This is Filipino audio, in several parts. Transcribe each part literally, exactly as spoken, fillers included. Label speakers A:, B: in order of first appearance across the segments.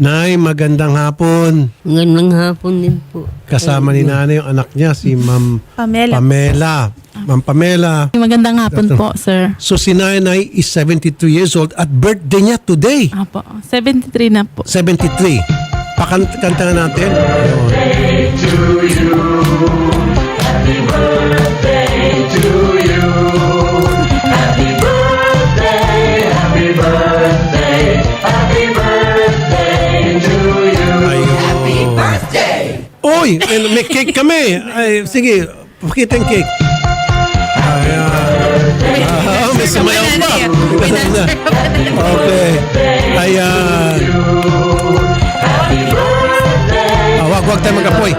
A: Nay, magandang hapon.
B: Magandang hapon din po.
A: Kasama ni nanay yung anak niya, si Ma'am
C: Pamela.
A: Pamela. Ma'am Pamela.
D: Magandang hapon po, sir.
A: So si nanay is seventy-two years old at birthday niya today.
D: Apo, seventy-three na po.
A: seventy-three. Pakanta nga natin. Ayun. Uy, may may cake kami. Ay, sige, pakita yung cake. Ayan. Ah, may sumayaw pa. Okay. Ayan. Ah, wag, wag tayo mag-apoy.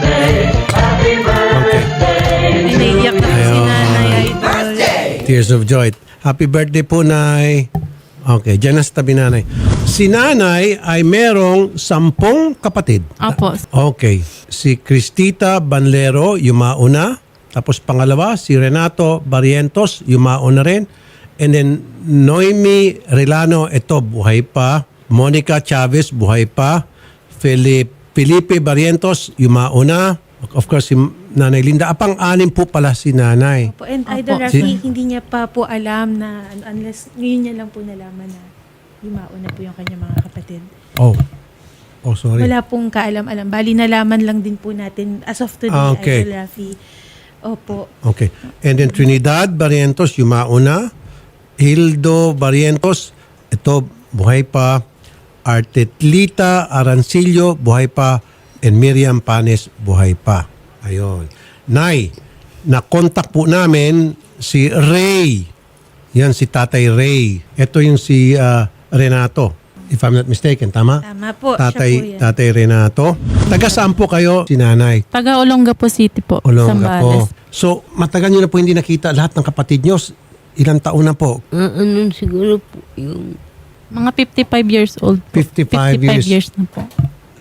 A: Okay.
C: Naiiyak na po si
A: Ayun.
C: Nanay Idol.
A: Tears of joy. Happy birthday po, Nay. Okay, dyan na sa tabi nanay. Si nanay ay merong sampung kapatid.
D: Apo.
A: Okay. Si Cristita Banlero, yumauna. Tapos pangalawa, si Renato Barrientos, yumauna rin. And then, Noemi Relano, ito, buhay pa. Monica Chavez, buhay pa. Philip, Felipe Barrientos, yumauna. Of course, si Nanay Linda. Apang anim po pala si nanay.
C: Po, and
D: Opo.
C: Idol Rafi,
A: Si-
C: hindi niya pa po alam na unless ngayon niya lang po nalaman na yumaon na po yung kanyang mga kapatid.
A: Oh. Oh, sorry.
C: Wala pong kaalam-alam. Bali, nalaman lang din po natin as of today,
A: Ah, okay.
C: Idol Rafi. Opo.
A: Okay. And then Trinidad Barrientos, yumauna. Hildo Barrientos, ito, buhay pa. Artetlita Arancillo, buhay pa. And Miriam Panes, buhay pa. Ayun. Nay, na-contact po namin si Ray. Yan, si Tatay Ray. Ito yung si ah, Renato. If I'm not mistaken, tama?
C: Tama po.
A: Tatay,
C: siya po yan.
A: Tatay Renato. Taga saan po kayo, si nanay?
D: Taga Olongapo City po.
A: Olonga po.
D: Zambales.
A: So, matagal nyo na po hindi nakita lahat ng kapatid nyo. Ilang taon na po?
B: Ah, ano siguro po yung...
D: Mga fifty-five years old po.
A: fifty-five years.
D: years na po.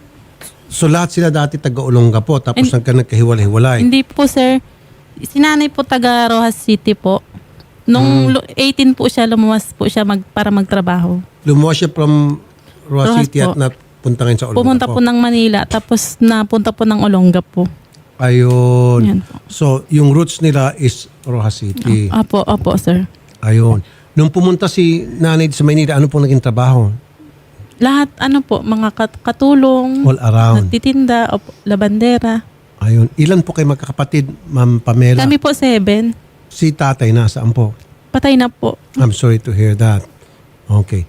A: So, lahat sila dati taga-Olonga po. Tapos
D: And-
A: hanggang nagkahiwalay-hiwalay.
D: Hindi po, sir. Si nanay po taga Rojas City po. Nung lu- eighteen po siya, lumuwas po siya mag, para magtrabaho.
A: Lumuwas siya from Roa
D: Rojas
A: City at
D: po.
A: napunta ngayon sa Olonga
D: Pumunta po. ng Manila, tapos napunta po ng Olonga po.
A: Ayun.
D: Yan po.
A: So, yung roots nila is Rojas City.
D: Apo, apo, sir.
A: Ayun. Nung pumunta si nanay sa Maynila, ano po naging trabaho?
D: Lahat, ano po, mga kat- katulong,
A: All around.
D: nagtitinda, opo, labandera.
A: Ayun. Ilan po kayo magkakapatid, Ma'am Pamela?
D: Kami po seven.
A: Si tatay nasaan po?
D: Patay na po.
A: I'm sorry to hear that. Okay.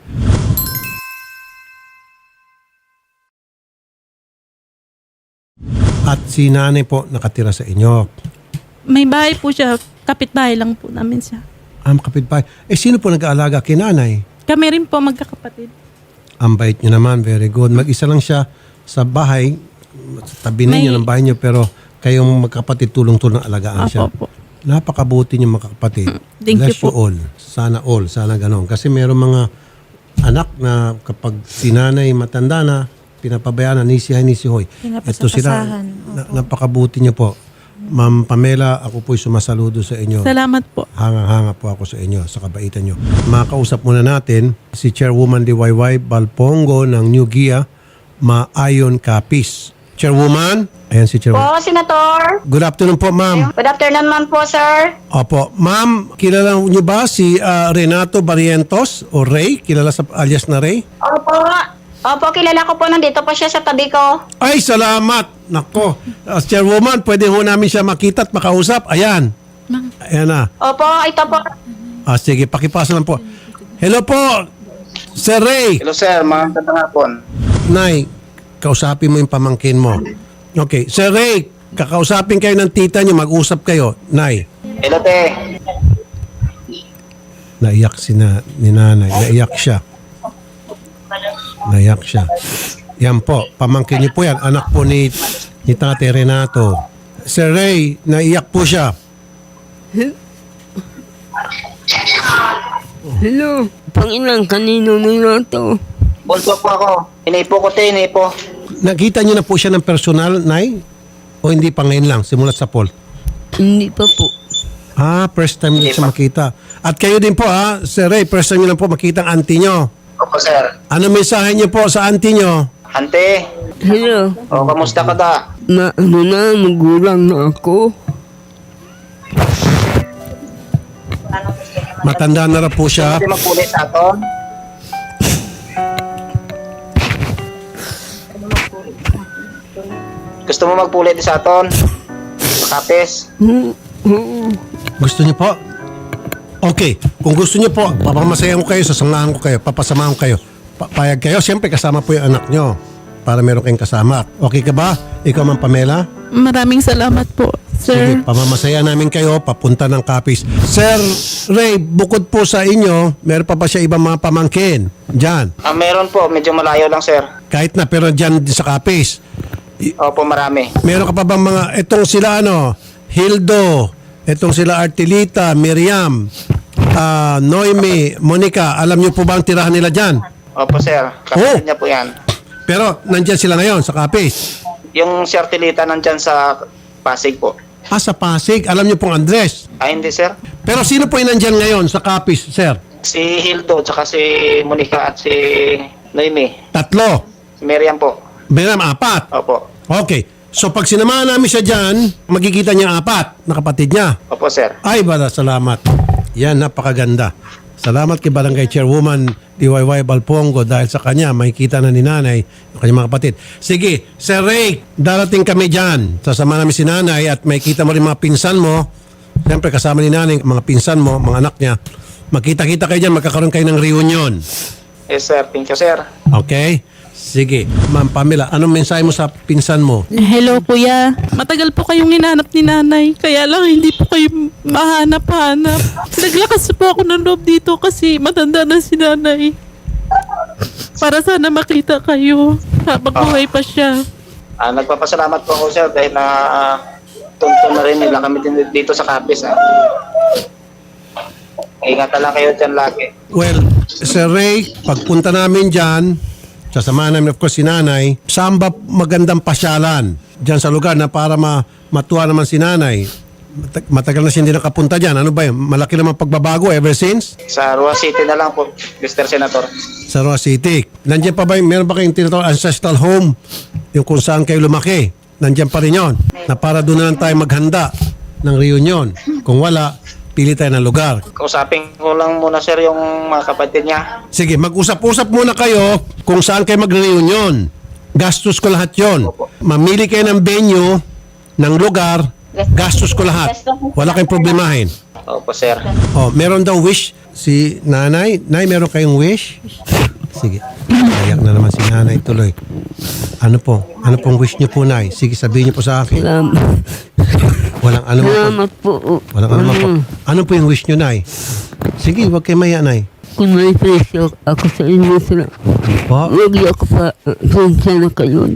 A: At si nanay po nakatira sa inyo.
D: May bahay po siya, kapitbahay lang po namin siya.
A: Ang kapitbahay. Eh, sino po nag-aalaga kay nanay?
D: Kami rin po magkakapatid.
A: Ang bait niyo naman. Very good. Mag-isa lang siya sa bahay. Sa tabi ninyo
D: May-
A: ng bahay niyo. Pero kayong magkapatid tulong-tulong alagaan siya.
D: Apo po.
A: Napakabuti niyo magkakapatid.
D: Thank you
A: Bless you
D: po.
A: all. Sana all. Sana ganon. Kasi meron mga anak na kapag si nanay matanda na, pinapabayaan na, nisihay, nisihoy. Ito sila,
C: Pinapasapasahan.
A: na, napakabuti niyo po. Ma'am Pamela, ako po'y sumasaludo sa inyo.
D: Salamat po.
A: Hanga-hanga po ako sa inyo, sa kabaitan nyo. Makakausap muna natin si Chairwoman D Y Y Balpongo ng New Gia, Maayon Capiz. Chairwoman, ayan si Chairwoman.
E: Po, Senator.
A: Good afternoon po, ma'am.
E: Good afternoon, ma'am po, sir.
A: Opo, ma'am, kilala niyo ba si ah, Renato Barrientos o Ray? Kilala sa alias na Ray?
E: Opo. Opo, kilala ko po. Nandito po siya sa tabi ko.
A: Ay, salamat! Nako, as Chairwoman, pwede ho namin siya makita at makausap. Ayan.
D: Ma'am.
A: Ayan na.
E: Opo, ito po.
A: Ah, sige, pakipasa lang po. Hello po, Sir Ray.
F: Hello sir, magandang hapon.
A: Nay, kausapin mo yung pamangkin mo. Okay, Sir Ray, kakausapin kayo ng tita niyo, mag-usap kayo. Nay,
F: Hello te.
A: naiyak si na, ni nanay, naiyak siya. Naiyak siya. Yan po, pamangkin niyo po yan, anak po ni, ni Tate Renato. Sir Ray, naiyak po siya.
B: Hello, Panginoon, kanino nila to?
F: Bunso po ako. Inipo ko te, inipo.
A: Nakita niyo na po siya ng personal, Nay? O hindi pa ngayon lang, simulat sa poll?
B: Hindi pa po.
A: Ah, first time niyo siya makita. At kayo din po ha, Sir Ray, first time niyo lang po makita ang auntie niyo.
F: Opo sir.
A: Ano mensahe niyo po sa auntie niyo?
F: Ante,
B: Hello.
F: o kamusta ka da?
B: Ma, ano na, magulang na ako.
A: Matanda na rin po siya.
F: Hindi magpulit sa aton. Gusto mo magpulit sa aton? Kapes?
B: Oo. Oo.
A: Gusto niyo po? Okay. Kung gusto niyo po, papamasayan ko kayo, sasangahan ko kayo, papasamahan ko kayo. Pa- payag kayo, siyempre kasama po yung anak niyo para meron kayong kasama. Okay ka ba? Ikaw, Ma'am Pamela?
D: Maraming salamat po,
A: Sige,
D: sir.
A: pamamasaya namin kayo papunta ng Capiz. Sir Ray, bukod po sa inyo, meron pa ba siya ibang mga pamangkin? Diyan.
F: Ah, meron po, medyo malayo lang sir.
A: Kahit na, pero diyan din sa Capiz.
F: Opo, marami.
A: Meron ka pa bang mga, etong sila ano, Hildo, etong sila Artilita, Miriam, ah, Noemi, Monica, alam niyo po ba ang tirahan nila dyan?
F: Opo sir, kapatid niya po yan.
A: Pero nandyan sila ngayon sa Capiz.
F: Yung si Artilita nandyan sa Pasig po.
A: Ah, sa Pasig, alam niyo pong Andres.
F: Ah, hindi sir.
A: Pero sino po yung nandyan ngayon sa Capiz, sir?
F: Si Hildo, tsaka si Monica at si Noemi.
A: Tatlo.
F: Si Miriam po.
A: Miriam, apat.
F: Opo.
A: Okay. So pag sinamahan namin siya dyan, magkikita niya ang apat na kapatid niya.
F: Opo sir.
A: Ay, bala, salamat. Yan, napakaganda. Salamat kay Barangay Chairwoman D Y Y Balpongo dahil sa kanya makikita na ni nanay yung kanyang mga kapatid. Sige, Sir Ray, darating kami dyan. Sasama namin si nanay at makikita mo rin mga pinsan mo. Siyempre kasama ni nanay, mga pinsan mo, mga anak niya. Magkita-kita kayo dyan, magkakaroon kayo ng reunion.
F: Yes sir, thank you sir.
A: Okay? Sige. Ma'am Pamela, anong mensahe mo sa pinsan mo?
D: Hello, kuya. Matagal po kayong hinanap ni nanay. Kaya lang hindi po kayo mahanap-hanap. Naglakas po ako ng loob dito kasi matanda na si nanay. Para sana makita kayo habang buhay pa siya.
F: Ah, nagpapasalamat po ako sir dahil na uh, tuntun na rin nila kami din dito sa Capiz. Ah. Ingatan lang kayo dyan lagi.
A: Well, Sir Ray, pagpunta namin dyan, sasamahan namin of course si nanay, saan ba magandang pasyalan dyan sa lugar na para ma matuwa naman si nanay? Matag- Matagal na siya hindi nakapunta dyan. Ano ba yun? Malaki naman pagbabago ever since?
F: Sa Rua City na lang po, Mister Senator.
A: Sa Roa City. Nandiyan pa ba yung, meron ba kayong tinatawag ancestral home? Yung kung saan kayo lumaki? Nandiyan pa rin yun. Na para doon na lang tayo maghanda ng reunion. Kung wala, pili tayo ng lugar.
F: Kausapin ko lang muna sir yung mga kapatid niya.
A: Sige, mag-usap-usap muna kayo kung saan kayo mag-reunion. Gastos ko lahat yon. Mamili kayo ng venue, ng lugar, gastos ko lahat. Wala kayong problemahin.
F: Opo sir.
A: Oh, meron daw wish si nanay. Nay, meron kayong wish? Sige. Kayak na naman si nanay tuloy. Ano po? Ano pong wish niyo po, nay? Sige, sabihin niyo po sa akin.
B: Salamat.
A: Walang ano po.
B: Salamat po.
A: Walang ano po. Ano po yung wish niyo, nay? Sige, wag kayo maya, nay.
B: Kung may presyo ako sa inyo sila,
A: Po?
B: huwag niyo ako pa, sensya na kayo.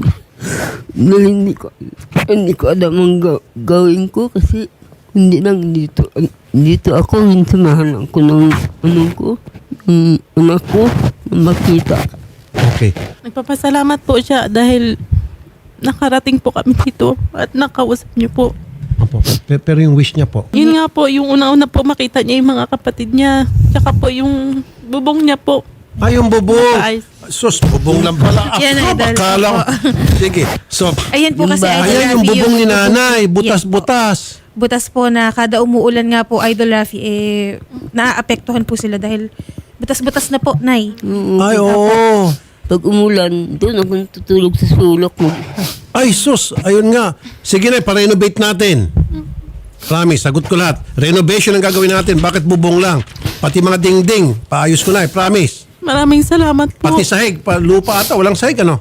B: Dahil hindi ko, hindi ko alam ang ga- gawin ko kasi hindi lang dito. Dito ako, hinsamahan ako ng ano ko, ng anak ko, ng makita.
A: Okay.
D: Nagpapasalamat po siya dahil nakarating po kami dito at nakausap niyo po.
A: Opo. Pero, pero yung wish niya po.
D: Yun nga po, yung una-una po makita niya yung mga kapatid niya. Tsaka po yung bubong niya po.
A: Ay, yung bubong.
D: Ay.
A: Sus, bubong lang pala.
C: Yan,
A: Ako,
C: idol.
A: akala ko. Sige. So,
C: Ayan po kasi, Idol
A: ayan yung
C: Rafi,
A: bubong ni nanay. Butas-butas.
C: Butas po na kada umuulan nga po, Idol Rafi, eh, naaapektuhan po sila dahil butas-butas na po, Nay.
B: Oo.
A: Ay, oo.
B: Pag umulan, doon ako natutulog sa sulok mo.
A: Ay, sus. Ayun nga. Sige na, pa-renovate natin. Promise, sagot ko lahat. Renovation ang gagawin natin. Bakit bubong lang? Pati mga dingding. Paayos ko na eh. Promise.
D: Maraming salamat po.
A: Pati sahig. Pa, lupa ata. Walang sahig, ano?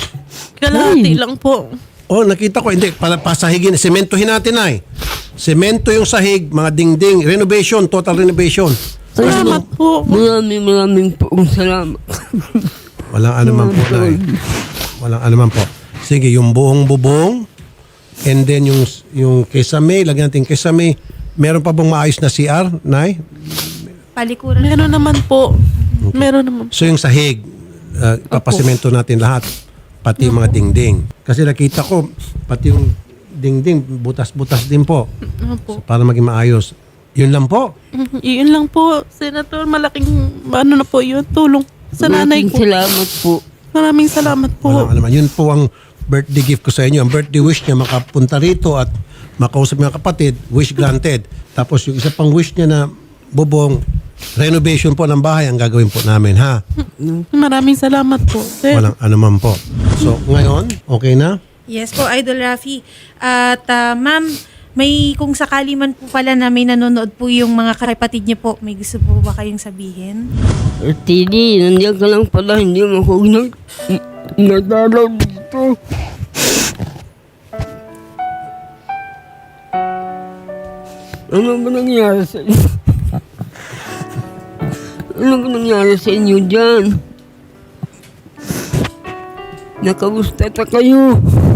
D: Kalahati lang po.
A: Oh, nakita ko. Hindi. Pa, pasahigin. Sementohin natin ay. Semento yung sahig. Mga dingding. Renovation. Total renovation.
D: Salamat po.
B: Maraming maraming po salamat.
A: Walang anuman po, Nay. Walang anuman po. Sige, yung buong bubong. And then yung yung kesame, lagyan natin kesame. Meron pa bang maayos na C R, Nay?
C: Palikuran.
D: Meron naman po. Meron naman.
A: So yung sahig, uh, papasemento natin lahat. Pati yung mga dingding. Kasi nakita ko, pati yung dingding, butas-butas din po.
D: Opo.
A: So, para maging maayos. Yun lang po.
D: Mhm. Yun lang po, Senator. Malaking ano na po yun, tulong sa nanay
B: Maraming
D: ko.
B: salamat po.
D: Maraming salamat po.
A: Walang alaman. Yun po ang birthday gift ko sa inyo. Ang birthday wish niya makapunta rito at makausap mga kapatid, wish granted. Tapos yung isa pang wish niya na bubong, renovation po ng bahay ang gagawin po namin, ha?
D: Maraming salamat po, sir.
A: Walang anuman po. So, ngayon, okay na?
C: Yes po, Idol Rafi. At ah, ma'am, may kung sakali man po pala na may nanonood po yung mga kapatid niyo po, may gusto po ba kayong sabihin?
B: Tini, nandiyan ka lang pala, hindi mo ako nag... nadalaw dito. Ano ba nangyari sa inyo? Ano ba nangyari sa inyo dyan? Nakamusta ta kayo?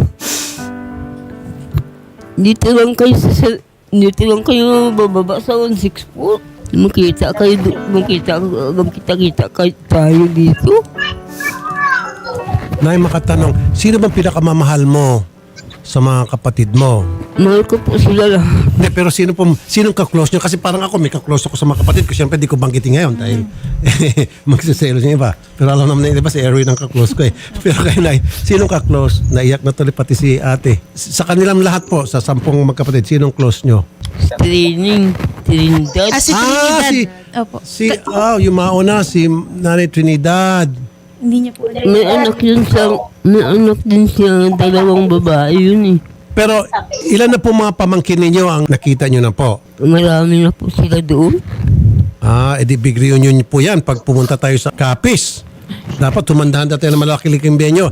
B: Dito lang kayo sa... sa- Dito lang kayo bababa sa one six four. Makita kayo, do- makita, magkita-kita kayo tayo dito.
A: Nay, makatanong, sino bang pinakamamahal mo sa mga kapatid mo?
B: Mahal ko po sila lahat.
A: Hindi, pero sino po, sinong ka-close nyo? Kasi parang ako, may ka-close ako sa mga kapatid ko. Siyempre, di ko banggitin ngayon dahil magsiselos yung iba. Pero alam naman na iba, si Erwin ang ka-close ko eh. Pero kayo, Nay, sinong ka-close? Naiyak na tuloy pati si ate. Sa kanilang lahat po, sa sampung magkapatid, sinong close nyo?
B: Training. Trinidad.
C: Ah, si
A: Ah,
C: Trinidad.
A: si-
C: Opo.
A: Si, oh, yung mauna, si Nanay Trinidad.
C: Hindi niya po alam.
B: May anak yun siya. May anak din siya. Dalawang babae yun eh.
A: Pero ilan na po mga pamangkin ninyo ang nakita nyo na po?
B: Marami na po sila doon.
A: Ah, edi big reunion po yan pag pumunta tayo sa Capiz. Dapat tumandahan tayo ng malaki-liking benyo.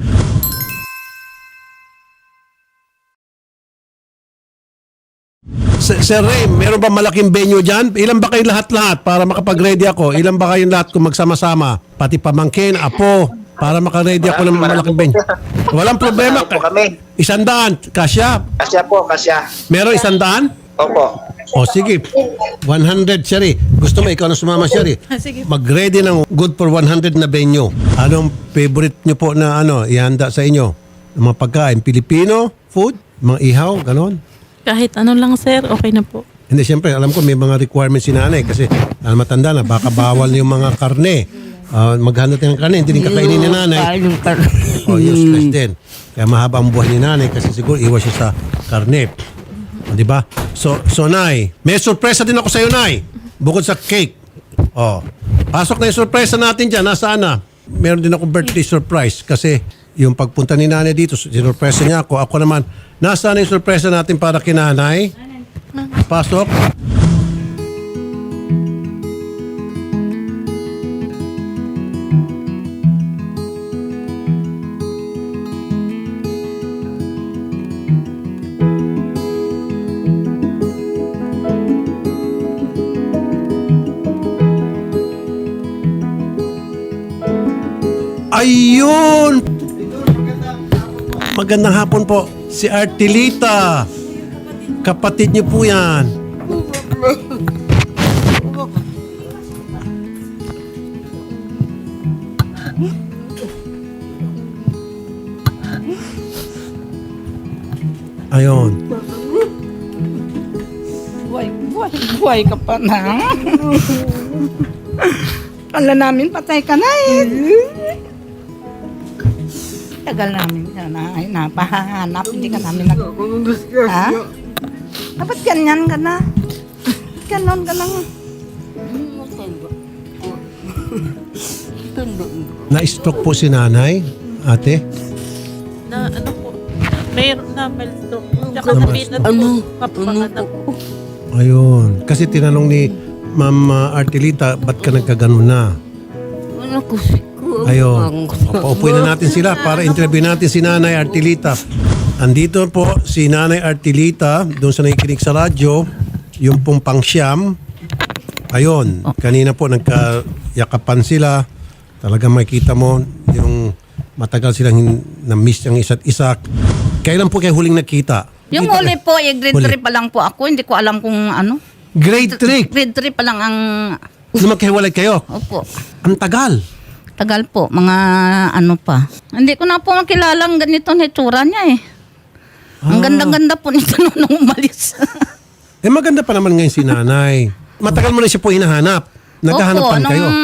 A: Sir Sir Ray, meron ba malaking venue dyan? Ilan ba kayo lahat-lahat para makapag-ready ako? Ilan ba kayong lahat kung magsama-sama? Pati pamangkin, apo, para maka-ready ako ng malaking venue. Walang problema.
F: Ano po kami?
A: Isandaan, kasya.
F: Kasya po, kasya.
A: Meron isandaan?
F: Opo.
A: O sige, one hundred, Sherry. Gusto mo, ikaw na sumama, Sherry.
C: Sige.
A: Mag-ready ng good for one hundred na venue. Anong favorite nyo po na ano, ihanda sa inyo? Ng mga pagkain, Filipino, food, mga ihaw, ganon?
D: Kahit ano lang, sir, okay na po.
A: Hindi, siyempre, alam ko may mga requirements si nanay kasi alam matanda na, baka bawal yung mga karne. Uh, maghanda tayo ng karne, hindi rin kakainin ni nanay.
B: Kain ng kar-
A: O, useless din. Kaya mahaba ang buhay ni nanay kasi siguro iwas siya sa karne. O, di ba? So, so, Nay, may sorpresa din ako sa iyo, Nay. Bukod sa cake. O, pasok na yung sorpresa natin dyan. Nasaan na? Meron din ako birthday surprise kasi yung pagpunta ni nanay dito, sinurpresa niya ako. Ako naman, nasaan na yung sorpresa natin para kay nanay? Pasok. Ayun! Magandang hapon po. Si Artilita. Kapatid niyo po yan. Ayun.
G: Buhay, buhay, buhay ka pa na. Kala namin patay ka na eh. Tagal namin ka na, ay, napahanap, hindi ka namin nag... Ha? Dapat ganyan ka na. Ganon ka lang.
A: Na-stroke po si nanay, ate.
D: Na ano po, mayroon na milestone. Tsaka
A: Ano?
D: napitan po,
B: Ano?
D: kapanganak po.
A: Ayun. Kasi tinanong ni Ma'am uh, Artilita, ba't ka nagkaganon na?
B: Ano ko si
A: Ayun. Paupuin na natin sila para interview natin si Nanay Artilita. Andito po si Nanay Artilita, doon sa nakikinig sa radyo, yung pong pangsyam. Ayun. Kanina po nagkayakapan sila. Talagang makita mo yung matagal silang hin- na-miss ang isa't isa. Kailan po kayo huling nakita?
G: Yung
A: Kita
G: huli
A: kayo?
G: po, eh, grade
A: Huli.
G: three pa lang po ako. Hindi ko alam kung ano.
A: Grade three.
G: Grade three pa lang ang...
A: Nung magkahiwalay kayo.
G: Opo.
A: Ang tagal.
G: Tagal po, mga ano pa. Hindi ko na po makilalang ganito na itsura niya eh. Ang
A: Ah.
G: ganda-ganda po nito nung umalis.
A: Eh maganda pa naman ngayon si nanay. Matagal mo na siya po hinahanap. Naghahanap
G: Opo,
A: pa
G: nung
A: kayo.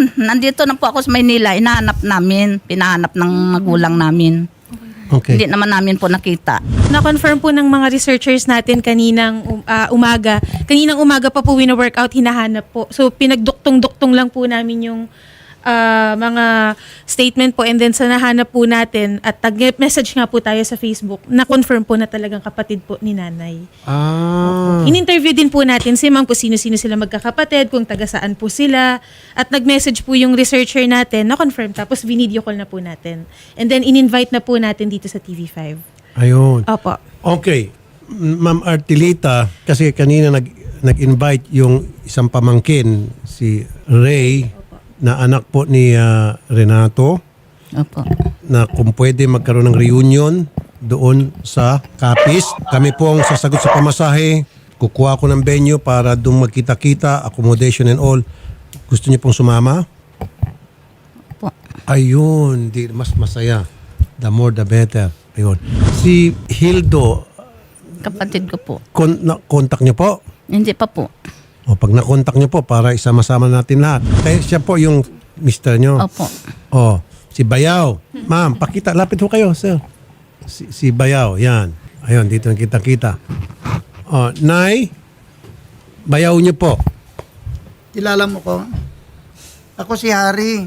G: nandito na po ako sa Maynila, inahanap namin, pinahanap ng magulang namin.
A: Okay.
G: Hindi naman namin po nakita.
C: Na-confirm po ng mga researchers natin kaninang um, ah, umaga. Kaninang umaga pa po wino-workout, hinahanap po. So pinagduktong-duktong lang po namin yung ah, mga statement po, and then sa nahanap po natin at tag-message nga po tayo sa Facebook, na-confirm po na talagang kapatid po ni nanay.
A: Ah.
C: In-interview din po natin si ma'am kung sino-sino sila magkakapatid, kung taga saan po sila. At nag-message po yung researcher natin, na-confirm, tapos video call na po natin. And then in-invite na po natin dito sa T V five.
A: Ayun.
C: Opo.
A: Okay. Ma'am Artilita, kasi kanina nag, nag-invite yung isang pamangkin, si Ray, na anak po ni ah, Renato,
G: Opo.
A: na kung pwede magkaroon ng reunion doon sa Capiz. Kami po ang sasagot sa pamasahe. Kukuha ko ng venue para doon magkita-kita, accommodation and all. Gusto niyo pong sumama?
G: Opo.
A: Ayun, di, mas masaya. The more the better. Ayun. Si Hildo,
G: Kapatid ko po.
A: kon, na, contact niyo po?
G: Hindi pa po.
A: O pag na-contact niyo po para isama-sama natin lahat. Kaya siya po yung mister niyo.
G: Opo.
A: Oh, si Bayaw. Ma'am, pakita. Lapit ho kayo, sir. Si, si Bayaw, yan. Ayun, dito ang kita-kita. Oh, Nay, Bayaw niyo po.
H: Kilala mo ko? Ako si Harry.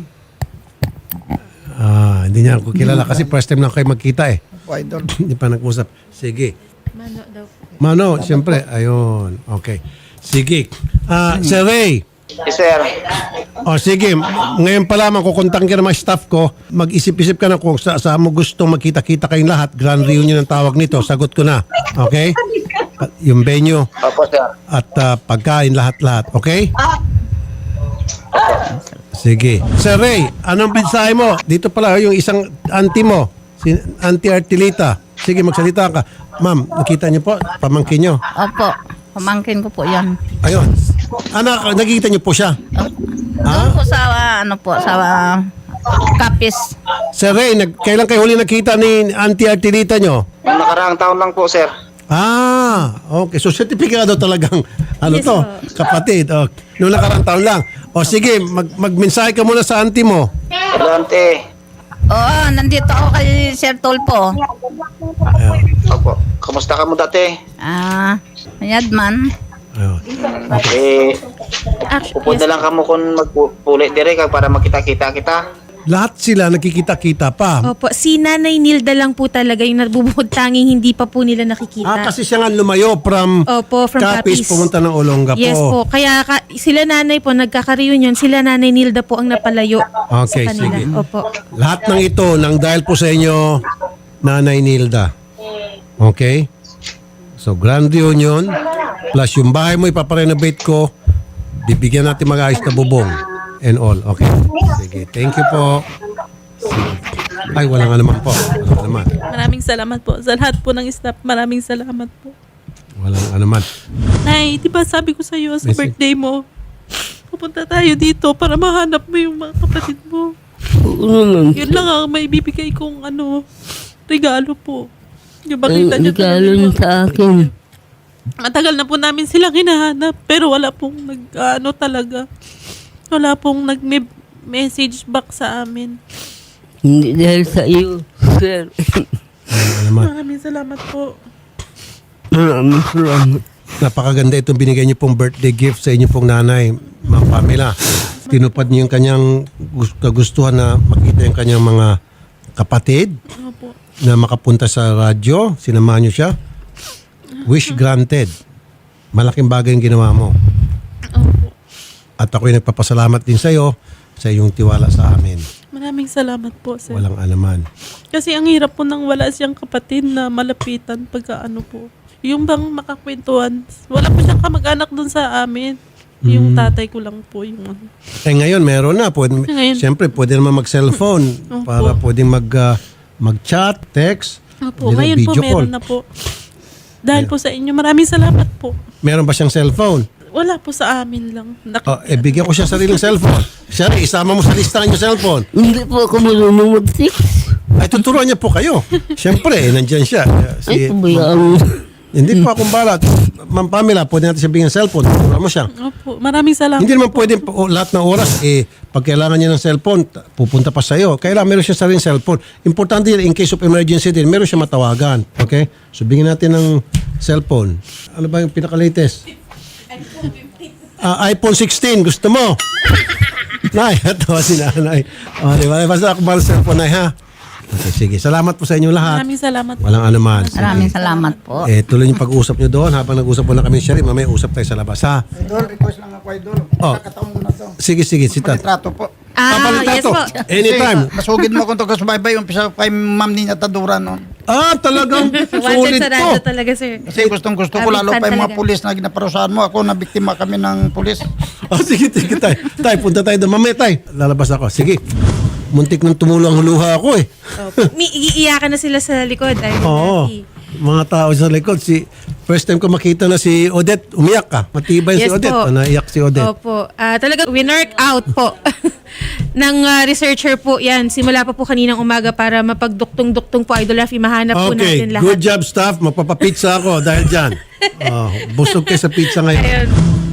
A: Ah, hindi niya ako kilala kasi first time lang kayo magkita eh.
H: Ako, idol.
A: Hindi pa nag-usap. Sige.
C: Mano daw po.
A: Mano, siyempre. Ayun. Okay. Sige. Ah, Sir Ray.
F: Yes, sir.
A: O sige, ngayon pa lamang kukontakin ka ng mga staff ko, mag-isip-isip ka na kung sa, saan mo gustong magkita-kita kayong lahat. Grand reunion ang tawag nito. Sagot ko na. Okay? At yung venue
F: Opo, sir.
A: at ah, pagkain lahat-lahat. Okay? Sige. Sir Ray, anong mensahe mo? Dito pala yung isang auntie mo, si Auntie Artilita. Sige, magsalita ka. Ma'am, nakita niyo po, pamangkin niyo.
G: Opo. Pamangkin ko po yan.
A: Ayun. Anak, nakikita niyo po siya.
G: Doon po sa, ah, ano po, sa ah, Capiz.
A: Sir Ray, nag, kailan kayo huli nakita ni Auntie Artilita niyo?
F: Yung nakaraang taon lang po, sir.
A: Ah, okay. So sertifikado talagang ano
C: Yes,
A: to,
C: po.
A: kapatid. O, noong nakarang taon lang. O sige, mag magmensahe ka muna sa auntie mo.
F: Adelante.
G: Oo, nandito ako kay Sir Tulpo.
A: Ayun.
F: Opo. Kamusta ka mo dati?
G: Ah, Yadman.
A: Ayun.
F: Eh,
C: Actually,
F: pupunta lang kamo kung magpuli dire kag para makita-kita kita.
A: Lahat sila nakikita-kita pa.
C: Opo, si Nanay Nilda lang po talaga yung nabubuhod tanging hindi pa po nila nakikita.
A: Ah, kasi siya nga lumayo from
C: Opo, from
A: Capiz
C: Capiz.
A: pumunta ng Olonga
C: Yes po. Kaya ka, sila nanay po, nagkaka-reunion, sila Nanay Nilda po ang napalayo
A: Okay,
C: sa kanila.
A: sige.
C: Opo.
A: Lahat ng ito nang dahil po sa inyo, Nanay Nilda. Okay? So, grand reunion, plus yung bahay mo ipaparenovate ko, bibigyan natin mag-ayos na bubong and all. Okay? Sige. Thank you po. Sige. Ay, walang alaman po. Walang alaman.
D: Maraming salamat po sa lahat po ng staff. Maraming salamat po.
A: Walang alaman.
D: Nay, di ba sabi ko sa iyo sa
A: Message.
D: birthday mo, pupunta tayo dito para mahanap mo yung mga kapatid mo.
B: Oo naman.
D: Yun lang ang may bibigay kong ano, regalo po. Yung
B: Ang
D: makita niyo
B: regalo niya sa akin.
D: Matagal na po namin silang hinahanap pero wala pong nag, ano talaga, wala pong nag-message back sa amin.
B: Hindi dahil sa iyo, sir.
A: Walang alaman.
D: Maraming salamat po.
B: Maraming salamat.
A: Napakaganda itong binigay niyo pong birthday gift sa inyo pong nanay, Ma'am Pamela. Tinupad niyo yung kanyang gus- kagustuhan na makita yung kanyang mga kapatid
D: Opo.
A: na makapunta sa radyo. Sinamahan niyo siya. Wish granted. Malaking bagay yung ginawa mo.
D: Opo.
A: At ako'y nagpapasalamat din sa iyo sa iyong tiwala sa amin.
D: Maraming salamat po, sir.
A: Walang alaman.
D: Kasi ang hirap po nang wala siyang kapatid na malapitan pagka ano po. Yung bang makakwentuhan. Wala po siyang kamag-anak dun sa amin. Yung tatay ko lang po yung ano.
A: Eh ngayon meron na. Pwede,
D: Ngayon.
A: Siyempre pwede naman mag-cellphone
D: Opo.
A: para pwedeng mag, ah, mag-chat, text,
D: Opo,
A: Hindi na,
D: ngayon po
A: video call.
D: meron na po. Dahil po sa inyo, maraming salamat po.
A: Meron ba siyang cellphone?
D: Wala po sa amin lang. Nak-
A: Oh, eh, bigyan ko siya sariling cellphone. Siya rin, isama mo sa listahan yung cellphone.
B: Hindi po ako marunong mag-six.
A: Ay, tuturuan niya po kayo. Siyempre, eh, nandyan siya.
B: Ay,
A: Si,
B: pabayaan mo.
A: Hindi po akong balat. Ma'am Pamela, pwede natin sabihin ng cellphone. Turuan mo siya.
D: Opo, maraming salamat.
A: Hindi naman pwede po, lahat ng oras, eh, pag kailangan niya ng cellphone, t- pupunta pa sa'yo. Kailangan meron siya sariling cellphone. Importante yun, in case of emergency din, meron siya matawagan. Okay? So, bigyan natin ng cellphone. Ano ba yung pinaka-latest? Ah, iPhone sixteen, gusto mo? Nay, tawa si nanay. O, di ba? Basta ako mahal sa cellphone, Nay, ha? Okay, sige. Salamat po sa inyo lahat.
D: Maraming salamat.
A: Walang anuman. Sige.
G: Maraming salamat po.
A: Eh, tuloy yung pag-usap nyo doon. Habang nag-usap po na kami ni Sherry, mamaya usap tayo sa labas, ha?
H: Idol, request lang ako, Idol.
A: Oh.
H: Kakataon ko na to.
A: Sige, sige. Sita.
H: Palitrato po.
C: Ah,
A: Papalitan
C: yes
A: to.
C: po.
A: Anytime.
H: Kasi, masugid mo kung to kasubaybay, umpisa kay Ma'am Nina Tadura noon.
A: Ah, talagang
C: Wanted
A: sulit
C: sa
A: to.
C: radyo talaga, sir.
H: Kasi gustong gusto ko, lalo
C: Abitan
H: pa yung mga
C: talaga.
H: pulis na ginaparusahan mo. Ako, nabiktima kami ng pulis.
A: Oh, sige, sige, tay. Tay, punta tayo doon. Mamaya, tay. Lalabas ako. Sige. Muntik nang tumulang huluha ako eh.
C: May iiyakan na sila sa likod. Ay,
A: Oo.
C: Rafi.
A: Mga tao sa likod. Si, first time ko makita na si Odette, umiyak ka. Matibay si
C: Yes
A: Odette.
C: po.
A: Oh, naiyak si Odette.
C: Opo. Ah, talaga, winwork out po ng ah, researcher po yan. Simula pa po kaninang umaga para mapagduktong-duktong po, Idol Rafi. Mahanap po
A: Okay,
C: natin lahat.
A: good job staff. Magpapapizza ako dahil dyan. Oh, busog kayo sa pizza ngayon.
C: Ayun.